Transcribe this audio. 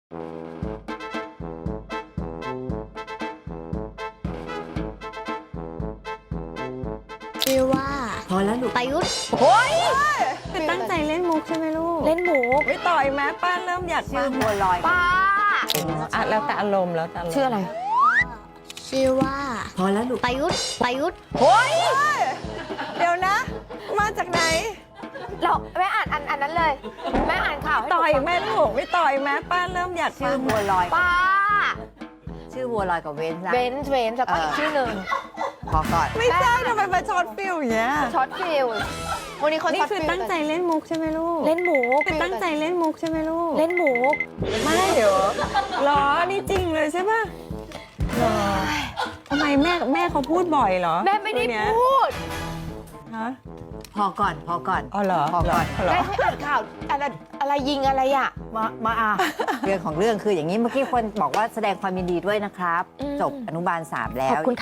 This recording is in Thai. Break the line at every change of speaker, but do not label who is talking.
ชื่อว่า
พอแล้วลูก
ประยุทธ์
โอ้ย
คือตั้งใจเล่นมุกใช่ไหมลูก
เล่นหมู
ไม่ต่อยแม้ป้าเริ่มอยาก
ชื่อบัวลอย
ป้า
อ่ะแล้วแต่อารมณ์แล้วแต่ารมณ์
ชื่ออะไร
ชื่อว่า
พอแล้วลูก
ประยุทธ์ประยุทธ์
โอ้ยเดี๋ยวนะ มาจากไหน
เราแม่อ่านอันนั้นเลย แม่อ่านข่าวให้หนู
ต่อย
ฟัง
แม่ลูกไม่ต่อยแม้ป้าเริ่มอยาก
ชื่อบัวลอย
ป้า
ชื่อบัวลอยกับเว้นนะ
เบนซ์แล้วก็อีกชื่อหนึ่ง
พอก่อน
ไม่ใช่ทำไมมาช็อตฟิลอย่างเงี้ย
ช็อตฟิลวันนี้เขา
นี่
ช็อต
คือ
ฟิล
ตั้งใจเล่นมุกใช่ไหมลูก
เล่นหมู
คือตั้งใจเล่นมุกใช่ไหมลูก
เล่นหมู
ไม่เหรอหรอนี่จริงเลยใช่ป่ะหรอทำไมแม่เขาพูดบ่อยเหรอ
แม่ไม่ได้
เรื่องเนี้ย
พูด
ฮะ
พอก่อน พอก่อน
อ๋อเหรอ
พอก่อน
เหรอ
แม่ให้อ่านข่าวอะไรยิงอะไรอ่ะ
มาเรื่องของเรื่องคืออย่างนี้เมื่อกี้คนบอกว่าแสดงความยินดีด้วยนะครับ
อืม
จบอนุบาล 3 แล้
ขอ
ว
บคุณ